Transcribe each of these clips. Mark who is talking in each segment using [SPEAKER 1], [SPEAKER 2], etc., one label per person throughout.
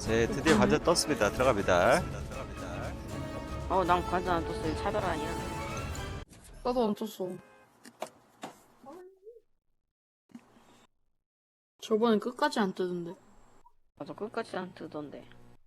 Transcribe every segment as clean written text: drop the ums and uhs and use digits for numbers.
[SPEAKER 1] 제 드디어 관전 떴습니다. 들어갑니다.
[SPEAKER 2] 난 관전 안 떴어. 이거 차별 아니야.
[SPEAKER 3] 나도 안 떴어. 저번엔 끝까지 안 뜨던데.
[SPEAKER 2] 맞아, 끝까지 안 뜨던데.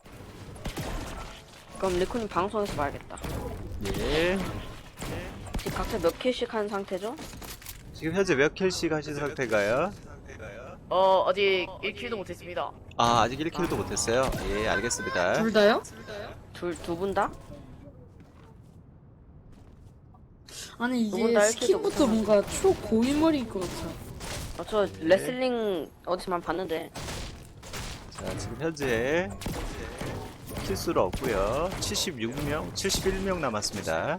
[SPEAKER 2] 그럼 리코님 방송에서 봐야겠다.
[SPEAKER 1] 예.
[SPEAKER 2] 지금 각자 몇 킬씩 한 상태죠?
[SPEAKER 1] 지금 현재 몇 킬씩 하신 상태가요?
[SPEAKER 4] 아직 1킬도 못했습니다.
[SPEAKER 1] 아, 아직 1킬도 못했어요? 예, 알겠습니다.
[SPEAKER 3] 둘 다요?
[SPEAKER 2] 두 분 다?
[SPEAKER 3] 아니
[SPEAKER 2] 두분
[SPEAKER 3] 이게
[SPEAKER 2] 다
[SPEAKER 3] 스킨부터 뭔가 초고인물인 것 같아.
[SPEAKER 2] 저 레슬링 어디서만 봤는데.
[SPEAKER 1] 자, 지금 현재 킬수는 없고요. 76명, 71명 남았습니다.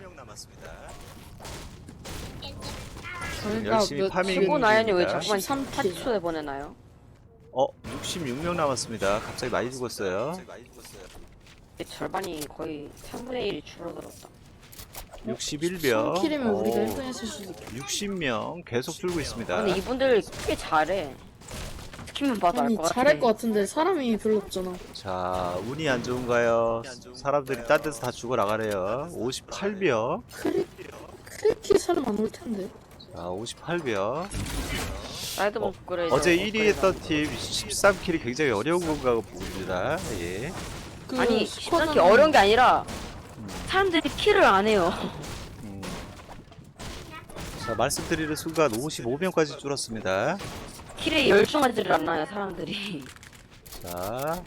[SPEAKER 3] 저희가
[SPEAKER 1] 열심히
[SPEAKER 3] 몇
[SPEAKER 1] 파밍
[SPEAKER 2] 친구 나연이 왜
[SPEAKER 1] 중입니다.
[SPEAKER 2] 자꾸만
[SPEAKER 3] 13 킬.
[SPEAKER 2] 파티초에 보내나요?
[SPEAKER 1] 66명 남았습니다. 갑자기 많이 죽었어요.
[SPEAKER 2] 절반이 거의 3분의 1이 줄어들었다.
[SPEAKER 1] 61명.
[SPEAKER 3] 3킬이면 우리가 1등 했을 수도 있겠다.
[SPEAKER 1] 60명 계속 줄고 있습니다.
[SPEAKER 2] 근데 이분들 꽤 잘해. 스킨만 봐도 알
[SPEAKER 3] 아니
[SPEAKER 2] 것 같아.
[SPEAKER 3] 잘할 것 같은데 사람이 별로 없잖아.
[SPEAKER 1] 자, 운이 안 좋은가요? 사람들이 딴 데서 다 죽어 나가래요. 58명.
[SPEAKER 3] 크리키 사람 안 올 텐데.
[SPEAKER 1] 자, 58명.
[SPEAKER 2] 사이드본 업그레이드.
[SPEAKER 1] 어제 1위 했던 팀 13킬이 굉장히 어려운 건가 봅니다. 예.
[SPEAKER 3] 그
[SPEAKER 2] 아니,
[SPEAKER 3] 스쿼드는
[SPEAKER 2] 13킬 어려운 게 아니라 사람들이 킬을 안 해요.
[SPEAKER 1] 음. 자, 말씀드리는 순간 55명까지 줄었습니다.
[SPEAKER 2] 킬에 열중하지를 않나요, 사람들이.
[SPEAKER 1] 자,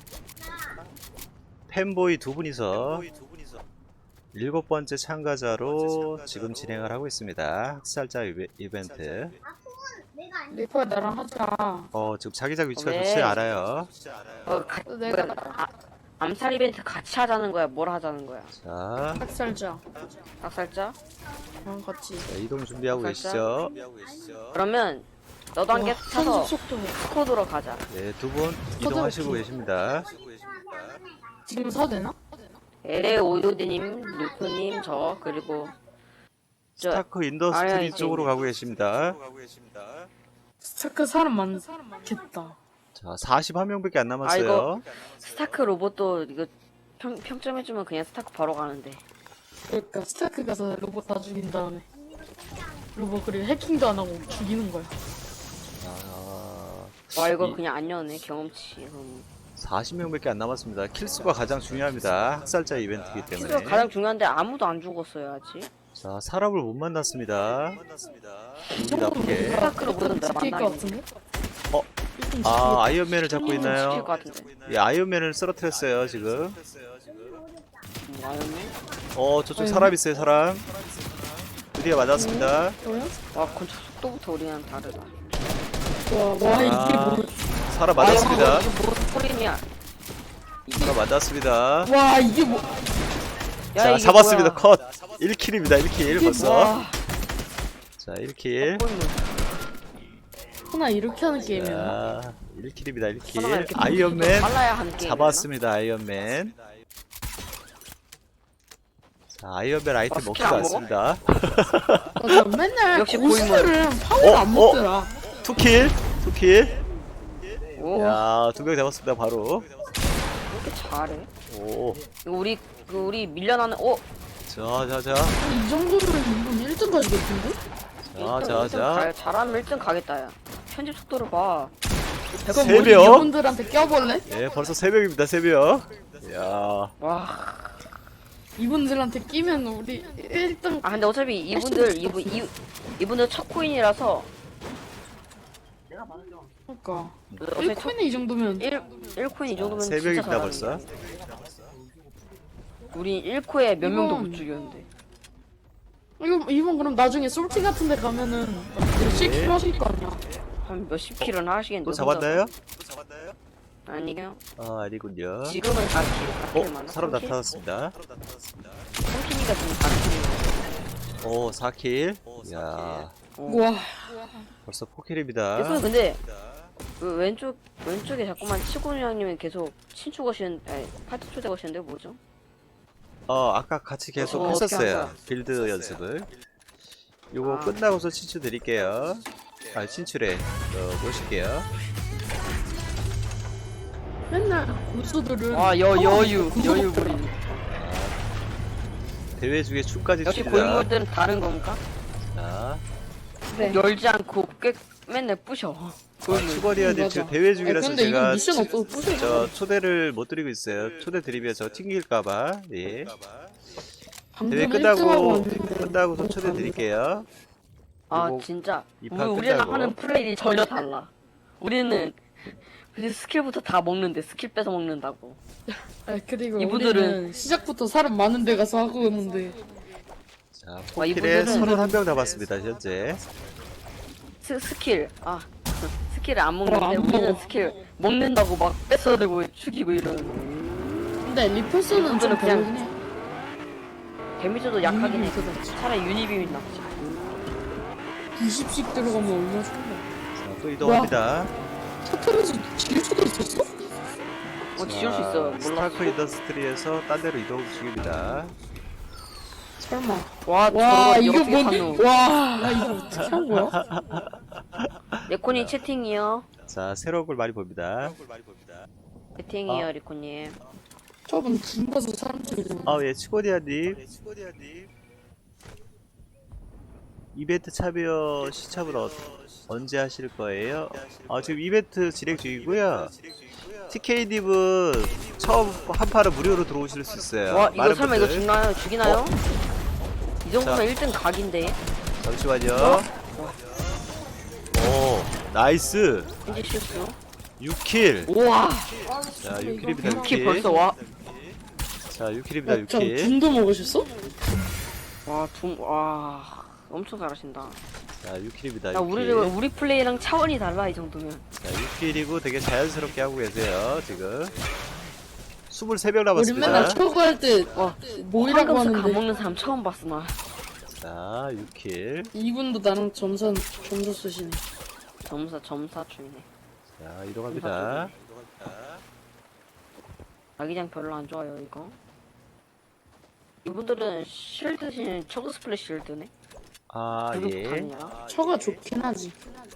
[SPEAKER 1] 팬보이 두 분이서 7번째 참가자로 지금 진행을 하고 있습니다. 학살자 이벤트.
[SPEAKER 3] 리퍼야 나랑 하자.
[SPEAKER 1] 지금 자기장 위치가
[SPEAKER 2] 네.
[SPEAKER 1] 좋지 않아요.
[SPEAKER 3] 내가
[SPEAKER 2] 암살 이벤트 같이 하자는 거야, 뭘 하자는 거야?
[SPEAKER 1] 자,
[SPEAKER 3] 학살자.
[SPEAKER 2] 학살자?
[SPEAKER 3] 나랑 같이.
[SPEAKER 1] 자, 이동 준비하고
[SPEAKER 2] 학살자?
[SPEAKER 1] 계시죠?
[SPEAKER 2] 그러면 너도 한 개
[SPEAKER 3] 와,
[SPEAKER 2] 타서
[SPEAKER 3] 편집 속도.
[SPEAKER 2] 스쿼드로 가자.
[SPEAKER 1] 네, 두 분 이동하시고 계십니다.
[SPEAKER 3] 지금 사도 되나?
[SPEAKER 2] LA 오요디님, 루프님, 저 그리고
[SPEAKER 1] 스타크
[SPEAKER 2] 아야,
[SPEAKER 1] 인더스트리
[SPEAKER 2] 이제
[SPEAKER 1] 쪽으로 가고 계십니다.
[SPEAKER 3] 스타크 사람 많겠다.
[SPEAKER 1] 자, 41명밖에 안
[SPEAKER 2] 아,
[SPEAKER 1] 남았어요.
[SPEAKER 2] 이거 스타크 로봇도 이거 평점 해주면 그냥 스타크 바로 가는데.
[SPEAKER 3] 그러니까 스타크 가서 로봇 다 죽인 다음에 로봇 그리고 해킹도 안 하고 죽이는 거야.
[SPEAKER 2] 와 이거
[SPEAKER 1] 이-
[SPEAKER 2] 그냥 안 여네 경험치.
[SPEAKER 1] 40명밖에 안 남았습니다. 킬수가 가장 중요합니다. 학살자 이벤트이기
[SPEAKER 2] 실제로
[SPEAKER 1] 때문에.
[SPEAKER 2] 가장 중요한데 아무도 안 죽었어요 아직.
[SPEAKER 1] 자, 사람을 못 만났습니다. 기분 나쁘게.
[SPEAKER 2] 스타크 로봇은 나
[SPEAKER 3] 지킬 것
[SPEAKER 2] 만나겠네.
[SPEAKER 3] 같은데?
[SPEAKER 1] 어? 아, 아이언맨을 잡고
[SPEAKER 2] 지킬
[SPEAKER 1] 있나요?
[SPEAKER 2] 것 같은데.
[SPEAKER 1] 예, 아이언맨을 쓰러뜨렸어요, 지금.
[SPEAKER 2] 아였네.
[SPEAKER 1] 저쪽 사람 있어요, 사람. 드디어 맞았습니다.
[SPEAKER 3] 뭐야?
[SPEAKER 2] 와 건축 속도부터 우리랑 다르다.
[SPEAKER 3] 와 이게 뭐?
[SPEAKER 1] 사람 맞았습니다.
[SPEAKER 2] 이거 뭐 소리냐?
[SPEAKER 1] 사람 맞았습니다.
[SPEAKER 3] 와 이게 뭐?
[SPEAKER 2] 야,
[SPEAKER 1] 자,
[SPEAKER 2] 이게
[SPEAKER 1] 잡았습니다.
[SPEAKER 2] 뭐야?
[SPEAKER 1] 컷. 1킬입니다, 1킬 벌써.
[SPEAKER 2] 와,
[SPEAKER 1] 자, 1킬.
[SPEAKER 3] 하나 이렇게 하는 게임이야?
[SPEAKER 1] 자, 1킬입니다,
[SPEAKER 2] 하나가
[SPEAKER 1] 1킬.
[SPEAKER 2] 이렇게
[SPEAKER 1] 아이언맨
[SPEAKER 2] 빨라야 하는 게임.
[SPEAKER 1] 잡았습니다, 아이언맨. 자, 아이언맨 아이템
[SPEAKER 2] 스킬
[SPEAKER 1] 먹지도
[SPEAKER 2] 안 먹어?
[SPEAKER 1] 않습니다.
[SPEAKER 3] 나 맨날
[SPEAKER 2] 역시
[SPEAKER 3] 고수들은 파워를 안 먹더라.
[SPEAKER 1] 2킬, 2킬.
[SPEAKER 2] 오,
[SPEAKER 1] 야, 2명 잡았습니다, 바로.
[SPEAKER 2] 이렇게 잘해.
[SPEAKER 1] 오,
[SPEAKER 2] 이거 우리 밀려나는
[SPEAKER 1] 자.
[SPEAKER 3] 이 정도면 이분 1등 가지겠던데?
[SPEAKER 1] 자.
[SPEAKER 2] 잘하면 1등 가겠다 야. 편집 속도를 봐.
[SPEAKER 3] 그럼
[SPEAKER 1] 세
[SPEAKER 3] 우리
[SPEAKER 1] 명?
[SPEAKER 3] 이분들한테 껴볼래?
[SPEAKER 1] 예, 벌써 3명입니다, 3명. 야,
[SPEAKER 2] 와.
[SPEAKER 3] 이분들한테 끼면 우리 1등.
[SPEAKER 2] 아 근데 어차피 이분들 첫 코인이라서
[SPEAKER 3] 그러니까
[SPEAKER 2] 어차피
[SPEAKER 3] 1코인에 이 정도면
[SPEAKER 2] 1코인 이 정도면
[SPEAKER 1] 세
[SPEAKER 2] 진짜
[SPEAKER 1] 명입니다,
[SPEAKER 2] 잘하는
[SPEAKER 1] 벌써.
[SPEAKER 2] 거야. 우리 1코에 몇 명도
[SPEAKER 3] 이건-
[SPEAKER 2] 못 죽였는데.
[SPEAKER 3] 이분 그럼 나중에 솔티 같은 데 가면은 몇십 킬 하실 거 아니야?
[SPEAKER 2] 한 몇십 킬은 하시겠는데.
[SPEAKER 1] 또 잡았나요?
[SPEAKER 2] 아니요.
[SPEAKER 1] 아, 아니군요.
[SPEAKER 2] 지금은 4킬 많아.
[SPEAKER 1] 사람 나타났습니다.
[SPEAKER 2] 3킬이가 지금 4킬.
[SPEAKER 1] 오, 4킬. 야,
[SPEAKER 3] 우와
[SPEAKER 1] 벌써 4킬입니다.
[SPEAKER 2] 이거 근데 그 왼쪽에 자꾸만 치고는 형님은 계속 친추 거시는 아니 파티 초대 거시는데 뭐죠?
[SPEAKER 1] 아까 같이 계속
[SPEAKER 2] 어떻게 한
[SPEAKER 1] 했었어요.
[SPEAKER 2] 거야?
[SPEAKER 1] 빌드 연습을. 요거
[SPEAKER 2] 아.
[SPEAKER 1] 끝나고서 친추 드릴게요. 친추래. 모실게요.
[SPEAKER 3] 맨날 고수들은
[SPEAKER 2] 여유 부리는.
[SPEAKER 1] 대회 중에 축까지
[SPEAKER 2] 역시
[SPEAKER 1] 춥니다.
[SPEAKER 2] 고인물들은 다른 건가?
[SPEAKER 1] 자,
[SPEAKER 3] 네.
[SPEAKER 2] 열지 않고 맨날 부셔. 고인물.
[SPEAKER 1] 추거리아님
[SPEAKER 3] 맞아.
[SPEAKER 1] 지금 대회 중이라서
[SPEAKER 3] 근데 이거
[SPEAKER 1] 제가
[SPEAKER 3] 미션 없어서 부셔.
[SPEAKER 1] 저 초대를 못 드리고 있어요. 초대 드리면 저 튕길까봐. 예. 대회 끝나고서 초대 드릴게요.
[SPEAKER 2] 아
[SPEAKER 1] 그리고
[SPEAKER 2] 진짜
[SPEAKER 1] 이판
[SPEAKER 2] 우리랑
[SPEAKER 1] 끝나고.
[SPEAKER 2] 하는 플레이이 전혀 달라. 우리는 그냥 스킬부터 다 먹는데 스킬 뺏어 먹는다고.
[SPEAKER 3] 아, 그리고
[SPEAKER 2] 이분들은-
[SPEAKER 3] 우리는 시작부터 사람 많은 데 가서 하고 있는데
[SPEAKER 1] 자,
[SPEAKER 2] 이분들은-
[SPEAKER 1] 포킬에 31명 남았습니다, 현재.
[SPEAKER 2] 스킬 스킬을 안 먹는데
[SPEAKER 3] 안
[SPEAKER 2] 우리는
[SPEAKER 3] 먹어.
[SPEAKER 2] 스킬 먹는다고 막 뺏어들고 죽이고 이런.
[SPEAKER 3] 근데 리퍼스는 좀
[SPEAKER 2] 이분들은 그냥-
[SPEAKER 3] 다르긴 해.
[SPEAKER 2] 데미지도 약하긴 해.
[SPEAKER 3] 유니빔이 더 낫지.
[SPEAKER 2] 차라리 유니빔이 낫지.
[SPEAKER 3] 20씩 들어가면 얼마나 좋은데.
[SPEAKER 1] 자, 또 이동합니다.
[SPEAKER 3] 터트려서 지울 수도 있었어?
[SPEAKER 2] 지울 수 있어. 몰랐어.
[SPEAKER 1] 스타크 인더스트리에서 딴 데로 이동 중입니다.
[SPEAKER 3] 설마.
[SPEAKER 2] 와
[SPEAKER 3] 와
[SPEAKER 2] 저거
[SPEAKER 3] 이거
[SPEAKER 2] 어떻게
[SPEAKER 3] 뭔?
[SPEAKER 2] 샀노?
[SPEAKER 3] 와 이거 어떻게 한 거야?
[SPEAKER 2] 레코님 채팅이요.
[SPEAKER 1] 자, 새로운 걸 많이 봅니다.
[SPEAKER 2] 채팅이요 리코님.
[SPEAKER 3] 저분 군 가서 사람들이 좀.
[SPEAKER 1] 아, 예, 치고디아님. 이벤트 참여 시참을 언제 하실 거예요? 지금 이벤트 진행 중이고요. TK님은 처음 한 판은 무료로 들어오실 수 있어요.
[SPEAKER 2] 와 이거
[SPEAKER 1] 많은
[SPEAKER 2] 설마 이거
[SPEAKER 1] 분들.
[SPEAKER 2] 죽나요? 죽이나요? 이 정도면 1등 각인데.
[SPEAKER 1] 잠시만요. 오, 나이스.
[SPEAKER 2] 이제 실수.
[SPEAKER 1] 6킬.
[SPEAKER 2] 우와.
[SPEAKER 1] 자, 6킬입니다,
[SPEAKER 2] 6킬
[SPEAKER 1] 6킬.
[SPEAKER 2] 벌써 와.
[SPEAKER 1] 자, 6킬입니다,
[SPEAKER 3] 저
[SPEAKER 1] 6킬.
[SPEAKER 3] 군도 먹으셨어?
[SPEAKER 2] 와 엄청 잘하신다.
[SPEAKER 1] 자, 6킬입니다,
[SPEAKER 2] 야
[SPEAKER 1] 6킬.
[SPEAKER 2] 우리 플레이랑 차원이 달라 이 정도면.
[SPEAKER 1] 자, 6킬이고 되게 자연스럽게 하고 계세요, 지금. 23명
[SPEAKER 3] 우리
[SPEAKER 1] 남았습니다.
[SPEAKER 3] 맨날 초고 할때 모이라고
[SPEAKER 2] 황금수
[SPEAKER 3] 하는데
[SPEAKER 2] 가먹는 사람 처음 봤어 나.
[SPEAKER 1] 자, 6킬.
[SPEAKER 3] 이분도 나랑 점수 쓰시네.
[SPEAKER 2] 점사 중이네.
[SPEAKER 1] 자, 이동합니다.
[SPEAKER 2] 자기장 별로 안 좋아요 이거. 이분들은 실드신 초그 스플래시 실드네.
[SPEAKER 1] 아, 예.
[SPEAKER 2] 불육탄이야.
[SPEAKER 3] 처가 좋긴 하지.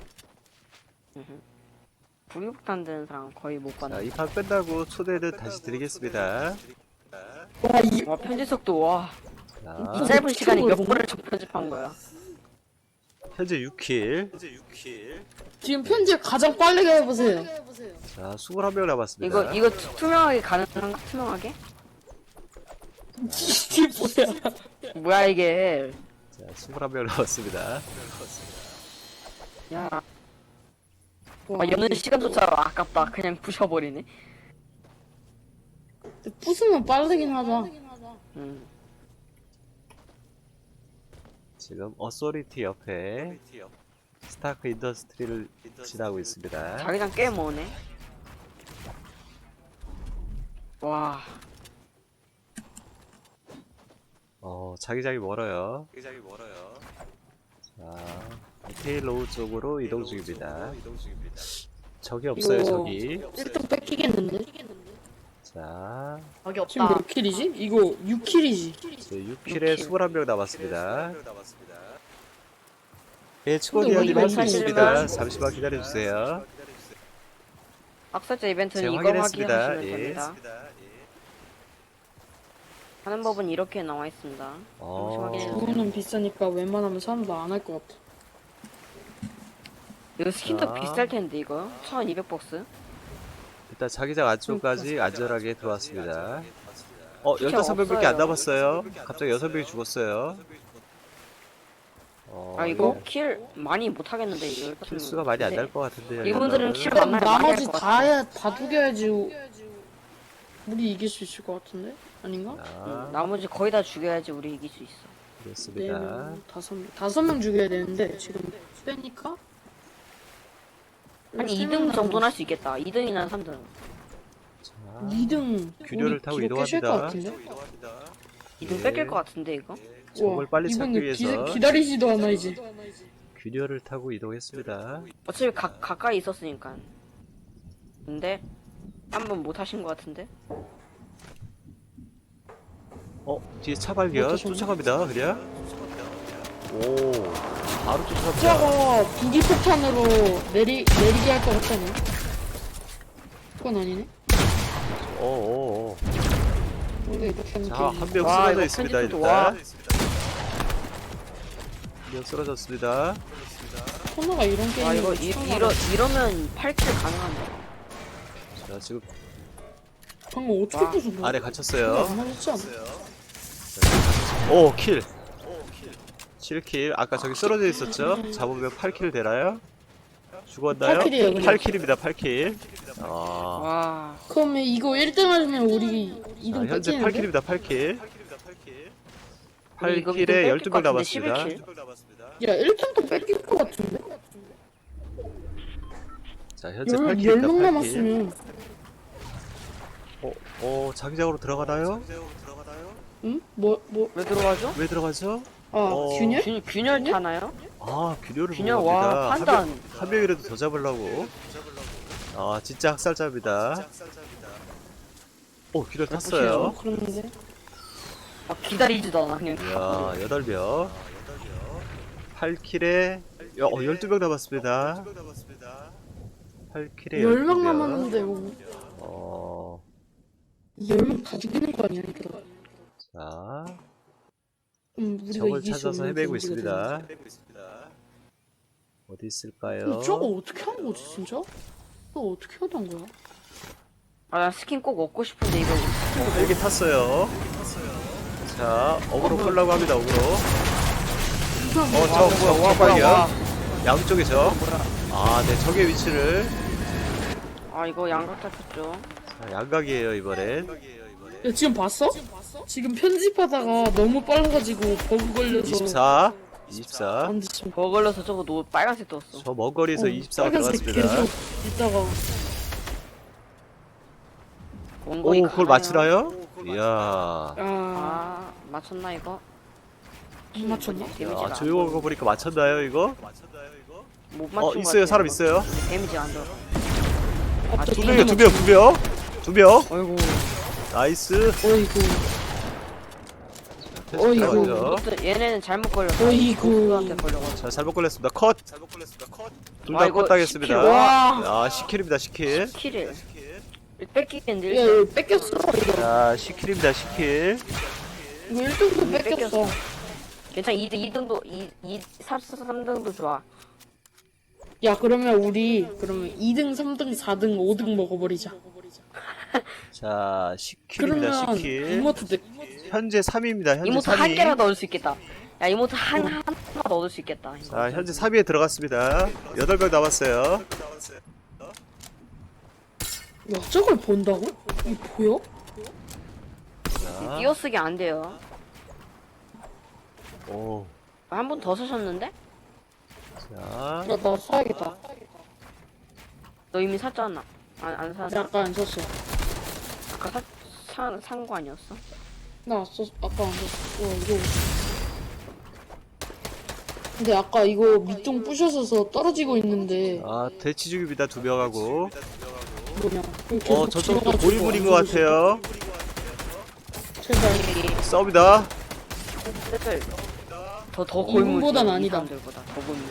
[SPEAKER 2] 불육탄 드는 사람 거의 못
[SPEAKER 1] 자,
[SPEAKER 2] 봤네.
[SPEAKER 1] 이 판 끝나고 초대는 다시 드리겠습니다.
[SPEAKER 3] 와 이.
[SPEAKER 2] 와 편집속도 와. 이
[SPEAKER 1] 자,
[SPEAKER 2] 짧은 시간에 몇
[SPEAKER 3] 이거
[SPEAKER 2] 번을 편집한 거야.
[SPEAKER 1] 현재 6킬.
[SPEAKER 3] 지금 편집 가장 빠르게 해보세요.
[SPEAKER 1] 자, 21명 남았습니다.
[SPEAKER 2] 이거 투명하게 가능한가? 투명하게?
[SPEAKER 3] 이게 뭐야?
[SPEAKER 2] 뭐야 이게?
[SPEAKER 1] 자, 21명 남았습니다.
[SPEAKER 2] 야,
[SPEAKER 3] 와,
[SPEAKER 2] 여는 시간조차 아깝다. 그냥 부셔버리네.
[SPEAKER 3] 부수면 빠르긴 하다.
[SPEAKER 1] 지금 어소리티 옆에 스타크 인더스트리를 지나고 있습니다.
[SPEAKER 2] 자기장 꽤 머네. 와,
[SPEAKER 1] 자기장이 멀어요. 자, 테일로우 쪽으로 이동 중입니다. 적이 없어요,
[SPEAKER 3] 이거-
[SPEAKER 1] 적이.
[SPEAKER 3] 1등 뺏기겠는데?
[SPEAKER 1] 자,
[SPEAKER 4] 여기
[SPEAKER 3] 지금
[SPEAKER 4] 없다.
[SPEAKER 3] 몇 킬이지? 이거 6킬이지.
[SPEAKER 1] 6킬에 21명 남았습니다. 예,
[SPEAKER 3] 근데
[SPEAKER 1] 치고디아님
[SPEAKER 3] 왜
[SPEAKER 1] 할 수
[SPEAKER 3] 이거
[SPEAKER 1] 있습니다.
[SPEAKER 2] 사실은-
[SPEAKER 1] 잠시만 기다려주세요.
[SPEAKER 2] 학살자 이벤트는
[SPEAKER 1] 제가
[SPEAKER 2] 이거
[SPEAKER 1] 확인했습니다.
[SPEAKER 2] 확인하시면
[SPEAKER 1] 예.
[SPEAKER 2] 됩니다. 하는 법은 이렇게 나와 있습니다.
[SPEAKER 3] 그거는 비싸니까 웬만하면 사람도 안 할 것 같아.
[SPEAKER 2] 이거 스킨도
[SPEAKER 1] 자.
[SPEAKER 2] 비쌀 텐데 이거 1,200박스.
[SPEAKER 1] 일단 자기장 안쪽까지 안전하게 들어왔습니다. 15명밖에
[SPEAKER 2] 없어요.
[SPEAKER 1] 안 남았어요. 갑자기 6명이 죽었어요.
[SPEAKER 2] 아 이거 킬 많이 못 하겠는데 이거.
[SPEAKER 1] 킬수가 많이 안 날 것 같은데요.
[SPEAKER 2] 이분들은
[SPEAKER 1] 이거는.
[SPEAKER 2] 킬
[SPEAKER 3] 그럼
[SPEAKER 2] 많이
[SPEAKER 3] 나머지
[SPEAKER 2] 할것
[SPEAKER 3] 다 해야 다 죽여야지 우리 이길 수 있을 것 같은데? 아닌가?
[SPEAKER 1] 자,
[SPEAKER 2] 나머지 거의 다 죽여야지 우리 이길 수 있어.
[SPEAKER 1] 그렇습니다.
[SPEAKER 3] 4명, 5명, 5명 죽여야 되는데 지금 빼니까
[SPEAKER 2] 한 2등 정도는 할 수 있겠다. 2등이나 3등.
[SPEAKER 1] 자,
[SPEAKER 3] 2등
[SPEAKER 1] 균열을 타고
[SPEAKER 3] 것
[SPEAKER 1] 이동합니다.
[SPEAKER 3] 같은데?
[SPEAKER 2] 2등
[SPEAKER 1] 예.
[SPEAKER 2] 뺏길 것 같은데 이거.
[SPEAKER 1] 저걸 빨리 찾기
[SPEAKER 3] 이분들
[SPEAKER 1] 위해서
[SPEAKER 3] 기다리지도 않아 이제.
[SPEAKER 1] 균열을 타고 이동했습니다.
[SPEAKER 2] 어차피 가까이 있었으니까. 근데 한 번 못 하신 것 같은데.
[SPEAKER 1] 뒤에 차 발견.
[SPEAKER 3] 어떠셨나요?
[SPEAKER 1] 쫓아갑니다. 그냥. 오, 바로 쫓아갑니다.
[SPEAKER 3] 숫자가 부기폭탄으로 내리게 할 것 같다네. 그건 아니네.
[SPEAKER 1] 오오오.
[SPEAKER 3] 근데 이렇게 하는
[SPEAKER 1] 자,
[SPEAKER 3] 게
[SPEAKER 1] 한 명
[SPEAKER 2] 와,
[SPEAKER 1] 쓰러져
[SPEAKER 2] 이거
[SPEAKER 1] 있습니다,
[SPEAKER 2] 편집도
[SPEAKER 1] 일단.
[SPEAKER 2] 와.
[SPEAKER 1] 한 명 쓰러졌습니다.
[SPEAKER 3] 코너가 이런
[SPEAKER 2] 와
[SPEAKER 3] 게임이
[SPEAKER 2] 이거 이러면 8킬 가능한데.
[SPEAKER 1] 자, 지금
[SPEAKER 3] 방금 어떻게
[SPEAKER 2] 와.
[SPEAKER 3] 부순 거야?
[SPEAKER 1] 아래 갇혔어요.
[SPEAKER 3] 안 맞았지 않아?
[SPEAKER 1] 오, 킬. 7킬. 아까 저기 쓰러져 있었죠? 잡으면 8킬 되나요? 죽었나요?
[SPEAKER 3] 8킬 이에요, 그냥.
[SPEAKER 1] 8킬입니다, 8킬. 아,
[SPEAKER 2] 와.
[SPEAKER 3] 그러면 이거 1등 하면 우리 2등
[SPEAKER 1] 현재
[SPEAKER 3] 뺏기는데?
[SPEAKER 1] 8킬입니다, 8킬.
[SPEAKER 2] 우리 이거
[SPEAKER 1] 8킬에
[SPEAKER 2] 뺏길
[SPEAKER 1] 12명
[SPEAKER 2] 것 같은데,
[SPEAKER 1] 남았습니다.
[SPEAKER 2] 11킬?
[SPEAKER 3] 야 1등도 뺏길 것 같은데?
[SPEAKER 1] 자, 현재
[SPEAKER 3] 10명
[SPEAKER 1] 8킬입니다, 8킬.
[SPEAKER 3] 남았으면
[SPEAKER 1] 자기장으로 들어가나요?
[SPEAKER 3] 응?
[SPEAKER 2] 왜 들어가죠?
[SPEAKER 1] 왜 들어가죠?
[SPEAKER 3] 아 균열?
[SPEAKER 2] 균열 타나요?
[SPEAKER 1] 아, 균열을
[SPEAKER 2] 균열
[SPEAKER 1] 보고
[SPEAKER 2] 와
[SPEAKER 1] 갑니다.
[SPEAKER 2] 판단.
[SPEAKER 1] 한 명이라도 더 잡으려고. 아, 진짜 학살자입니다. 오, 균열 탔어요.
[SPEAKER 3] 그런데
[SPEAKER 2] 기다리지도 않아 그냥.
[SPEAKER 1] 이야, 8명. 8킬에 12명 남았습니다. 8킬에
[SPEAKER 3] 10명
[SPEAKER 1] 12명.
[SPEAKER 3] 남았는데 뭐 10명 다 죽이는 거 아니야 이거?
[SPEAKER 1] 자,
[SPEAKER 3] 우리가
[SPEAKER 1] 적을
[SPEAKER 3] 이길 수
[SPEAKER 1] 찾아서
[SPEAKER 3] 없는
[SPEAKER 1] 헤매고
[SPEAKER 3] 경기가
[SPEAKER 1] 있습니다. 어디
[SPEAKER 3] 되는데.
[SPEAKER 1] 있을까요?
[SPEAKER 3] 저거 어떻게 하는 거지 진짜? 저거 어떻게 하던 거야?
[SPEAKER 2] 아나 스킨 꼭 얻고 싶은데 이거.
[SPEAKER 1] 헬기 탔어요. 자, 어그로 끌려고 합니다, 어그로. 적 발견. 양쪽에 적. 아, 네, 적의 위치를.
[SPEAKER 2] 아 이거 양각 잡혔죠.
[SPEAKER 1] 자, 양각이에요, 이번엔.
[SPEAKER 3] 야 지금 봤어? 지금 편집하다가 너무 빨라가지고 버그 걸려서
[SPEAKER 1] 24. 24.
[SPEAKER 3] 안 됐어.
[SPEAKER 2] 버 걸려서 저거 빨간색 떴어.
[SPEAKER 1] 저 먼 거리에서 24가
[SPEAKER 3] 빨간색
[SPEAKER 1] 들어갔습니다.
[SPEAKER 3] 계속 있다가
[SPEAKER 2] 원거리
[SPEAKER 1] 오, 그걸
[SPEAKER 2] 가나요?
[SPEAKER 1] 맞추나요? 이야.
[SPEAKER 2] 아 맞췄나 이거?
[SPEAKER 3] 안 맞췄나?
[SPEAKER 2] 데미지가 안
[SPEAKER 1] 조용한 거 보니까 맞췄나요, 이거?
[SPEAKER 2] 못 맞춘 것
[SPEAKER 1] 있어요,
[SPEAKER 2] 같아요.
[SPEAKER 1] 사람 있어요.
[SPEAKER 2] 데미지 안 들어.
[SPEAKER 3] 갑자기
[SPEAKER 1] 두 명이요, 두 명.
[SPEAKER 2] 어이구.
[SPEAKER 1] 나이스.
[SPEAKER 3] 어이구 어이구.
[SPEAKER 1] 들어가죠.
[SPEAKER 2] 얘네는 잘못 걸렸어.
[SPEAKER 3] 어이구.
[SPEAKER 2] 한테 걸려가지고.
[SPEAKER 1] 자, 잘못 걸렸습니다. 컷. 둘
[SPEAKER 2] 아,
[SPEAKER 1] 다
[SPEAKER 2] 이거
[SPEAKER 1] 컷 당했습니다.
[SPEAKER 2] 10킬. 와.
[SPEAKER 1] 아, 10킬입니다, 10킬.
[SPEAKER 2] 킬을 뺏기겠는데.
[SPEAKER 3] 야 이거 뺏겼어 이거.
[SPEAKER 1] 자, 10킬입니다, 10킬.
[SPEAKER 3] 이거 1등도 뺏겼어.
[SPEAKER 2] 괜찮아. 2등도 3등도 좋아.
[SPEAKER 3] 야 그러면 우리 2등 3등 4등 5등 먹어버리자.
[SPEAKER 1] 자, 10킬입니다,
[SPEAKER 3] 그러면
[SPEAKER 1] 10킬.
[SPEAKER 3] 이모트 내
[SPEAKER 1] 현재 3위입니다, 현재
[SPEAKER 2] 이모트
[SPEAKER 1] 3위.
[SPEAKER 2] 한 개라도 얻을 수 있겠다. 야 이모트 하나만 얻을 수 있겠다. 이거.
[SPEAKER 1] 자, 현재 3위에 들어갔습니다. 8명 남았어요.
[SPEAKER 3] 야 저걸 본다고? 이게 보여?
[SPEAKER 1] 자,
[SPEAKER 2] 띄어쓰기 안 돼요.
[SPEAKER 1] 오.
[SPEAKER 2] 한 분 더 쓰셨는데?
[SPEAKER 1] 자,
[SPEAKER 3] 나 사야겠다.
[SPEAKER 2] 너 이미 샀잖아. 안 샀어.
[SPEAKER 3] 아까 안 샀어.
[SPEAKER 2] 아까 산 거 아니었어?
[SPEAKER 3] 나 아까 안 샀어. 이거. 근데 아까 이거 밑둥 부셔서 떨어지고 있는데
[SPEAKER 1] 대치 중입니다, 2명하고.
[SPEAKER 3] 뭐냐?
[SPEAKER 1] 저쪽도 고인물인 것 같아요.
[SPEAKER 3] 제발.
[SPEAKER 1] 싸웁니다.
[SPEAKER 2] 슬슬 더 골물.
[SPEAKER 3] 이분보단 아니다.
[SPEAKER 2] 이 사람들보다 더 골물.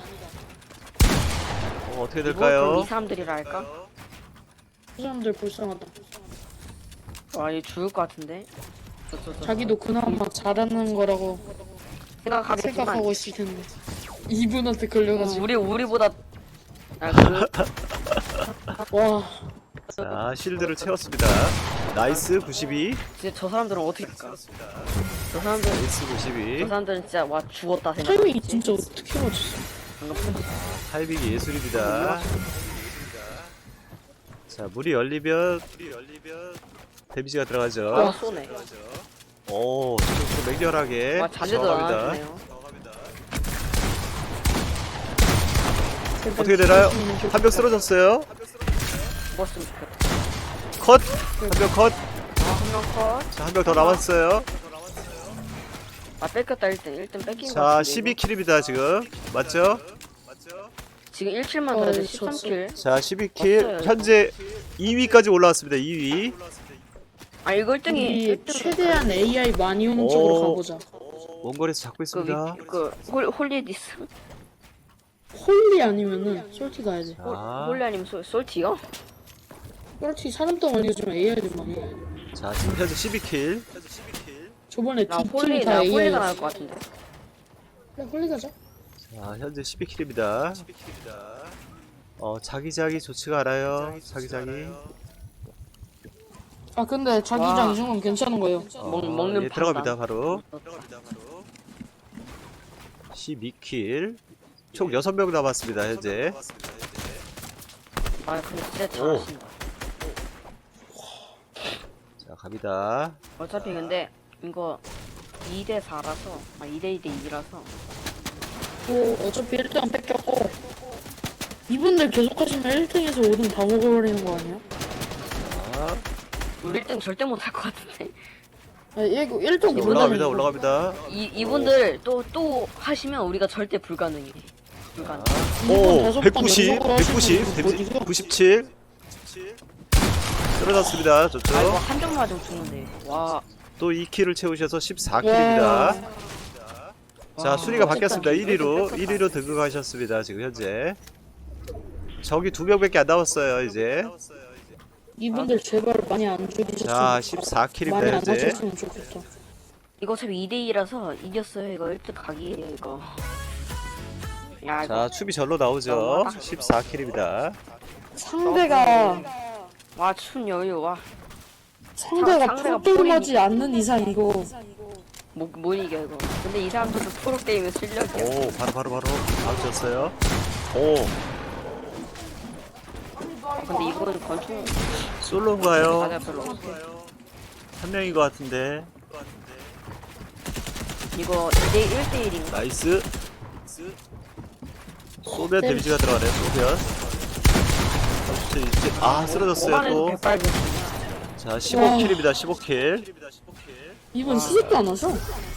[SPEAKER 1] 어떻게
[SPEAKER 2] 그럼
[SPEAKER 1] 될까요?
[SPEAKER 2] 이 사람들이라 할까?
[SPEAKER 3] 그 사람들 불쌍하다.
[SPEAKER 2] 와, 얘 죽을 것 같은데?
[SPEAKER 3] 자기도 그나마 잘하는 거라고
[SPEAKER 2] 생각하겠지만
[SPEAKER 3] 생각하고 있을 텐데 이분한테 걸려가지고
[SPEAKER 2] 우리보다
[SPEAKER 3] 와
[SPEAKER 1] 자, 실드를 채웠습니다. 나이스 92.
[SPEAKER 2] 진짜 저 사람들은 어떻게 할까? 저 사람들은
[SPEAKER 1] 나이스 92.
[SPEAKER 2] 진짜 와 죽었다
[SPEAKER 3] 타이밍이
[SPEAKER 2] 생각했지.
[SPEAKER 3] 진짜 어떻게 맞췄어?
[SPEAKER 1] 타이밍이 예술입니다. 자, 문이 열리면 데미지가 들어가죠.
[SPEAKER 2] 와 쏘네.
[SPEAKER 1] 오, 지금 맹렬하게
[SPEAKER 2] 와 자제도 안
[SPEAKER 1] 저항합니다.
[SPEAKER 2] 하네요.
[SPEAKER 1] 어떻게 되나요? 한 명 쓰러졌어요.
[SPEAKER 2] 죽었으면 좋겠다.
[SPEAKER 1] 컷! 한 명 컷!
[SPEAKER 2] 한명 컷.
[SPEAKER 1] 자, 한 명 더 남았어요.
[SPEAKER 2] 아 뺏겼다 1등 뺏긴 거
[SPEAKER 1] 자,
[SPEAKER 2] 같은데.
[SPEAKER 1] 12킬입니다, 지금. 맞죠?
[SPEAKER 2] 지금 1킬만 들어도
[SPEAKER 3] 저
[SPEAKER 2] 13킬.
[SPEAKER 1] 자, 12킬.
[SPEAKER 2] 맞아요.
[SPEAKER 1] 현재 2위까지 올라왔습니다, 2위.
[SPEAKER 2] 아 이거 1등이
[SPEAKER 3] 우리 최대한 AI 많이 오는 쪽으로
[SPEAKER 1] 오.
[SPEAKER 3] 가보자.
[SPEAKER 1] 원거리에서 잡고 있습니다.
[SPEAKER 2] 홀리디스
[SPEAKER 3] 홀리 아니면은 솔티 가야지.
[SPEAKER 1] 자,
[SPEAKER 2] 홀리 아니면 솔티요?
[SPEAKER 3] 그렇지 사람 동안 이거 좀 AI들만 해.
[SPEAKER 1] 자, 지금 현재 12킬.
[SPEAKER 3] 저번에
[SPEAKER 2] 나
[SPEAKER 3] 두
[SPEAKER 2] 홀리
[SPEAKER 3] 팀이 다
[SPEAKER 2] 나
[SPEAKER 3] AI.
[SPEAKER 2] 홀리가 나올 것 같은데.
[SPEAKER 3] 그래 홀리 가자.
[SPEAKER 1] 자, 현재 12킬입니다. 자기자기 좋지가 않아요. 자기자기.
[SPEAKER 3] 아 근데 자기장
[SPEAKER 2] 와.
[SPEAKER 3] 이 정도면 괜찮은 거예요.
[SPEAKER 2] 먹는
[SPEAKER 1] 예,
[SPEAKER 2] 판단.
[SPEAKER 1] 들어갑니다, 바로. 12킬. 총 6명 남았습니다, 현재.
[SPEAKER 2] 아 근데 진짜 잘하신다.
[SPEAKER 1] 자, 갑니다.
[SPEAKER 2] 어차피 근데 이거 2대 4라서 2대 2대 2라서
[SPEAKER 3] 뭐 어차피 1등 뺏겼고 이분들 계속 하시면 1등에서 5등 다 먹어버리는 거 아니야?
[SPEAKER 1] 자,
[SPEAKER 2] 우리 1등 절대 못 할 것 같은데.
[SPEAKER 3] 아, 1등
[SPEAKER 1] 올라갑니다, 올라갑니다.
[SPEAKER 2] 이분들 또 하시면 우리가 절대 불가능해. 불가능.
[SPEAKER 1] 오, 190, 190, 97. 쓰러졌습니다, 저쪽.
[SPEAKER 2] 아 이거 한 점 맞으면 죽는데. 와.
[SPEAKER 1] 또 2킬을 채우셔서 14킬입니다. 자, 순위가 바뀌었습니다. 1위로 등극하셨습니다, 지금 현재. 적이 2명밖에 안 남았어요, 이제.
[SPEAKER 3] 이분들 제발 많이 안 죽이셨으면
[SPEAKER 1] 자,
[SPEAKER 3] 좋겠다.
[SPEAKER 1] 14킬입니다,
[SPEAKER 3] 많이 안
[SPEAKER 1] 현재.
[SPEAKER 3] 하셨으면 좋겠다.
[SPEAKER 2] 이거 어차피 2대 2라서 이겼어요. 이거 1등 각이에요 이거. 야 이거.
[SPEAKER 1] 자, 추비 절로 나오죠. 14킬입니다.
[SPEAKER 3] 상대가
[SPEAKER 2] 와춘 여유 와.
[SPEAKER 3] 상대가
[SPEAKER 2] 상대가
[SPEAKER 3] 프로게임하지 않는 이상 이거
[SPEAKER 2] 못 이겨 이거. 근데 이 사람들도 프로 게임의 실력이야.
[SPEAKER 1] 오, 바로 나오셨어요. 오,
[SPEAKER 2] 근데 이거는 건축
[SPEAKER 1] 솔로인가요?
[SPEAKER 2] 맞아 별로 없어.
[SPEAKER 1] 한 명인 것 같은데.
[SPEAKER 2] 이거 2대 1대 1인가?
[SPEAKER 1] 나이스. 소변 데미지가 들어가네요, 소변. 쓰러졌어요, 또.
[SPEAKER 2] 백발기.
[SPEAKER 1] 자, 15킬입니다, 15킬.
[SPEAKER 3] 이분 수습도 안 하셔.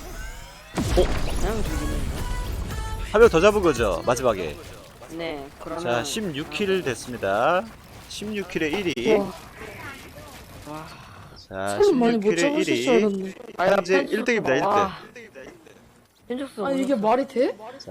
[SPEAKER 2] 그냥 죽이네.
[SPEAKER 1] 한 명 더 잡은 거죠, 마지막에.
[SPEAKER 2] 네 그러면.
[SPEAKER 1] 자, 16킬 됐습니다. 16킬에 1위.
[SPEAKER 3] 와,
[SPEAKER 1] 자,
[SPEAKER 3] 사람 많이 못
[SPEAKER 1] 16킬에
[SPEAKER 3] 잡으실 줄
[SPEAKER 1] 1위.
[SPEAKER 3] 알았네.
[SPEAKER 1] 현재 1등입니다, 1등.
[SPEAKER 2] 현적수.
[SPEAKER 3] 아니 이게 말이 돼?
[SPEAKER 1] 자,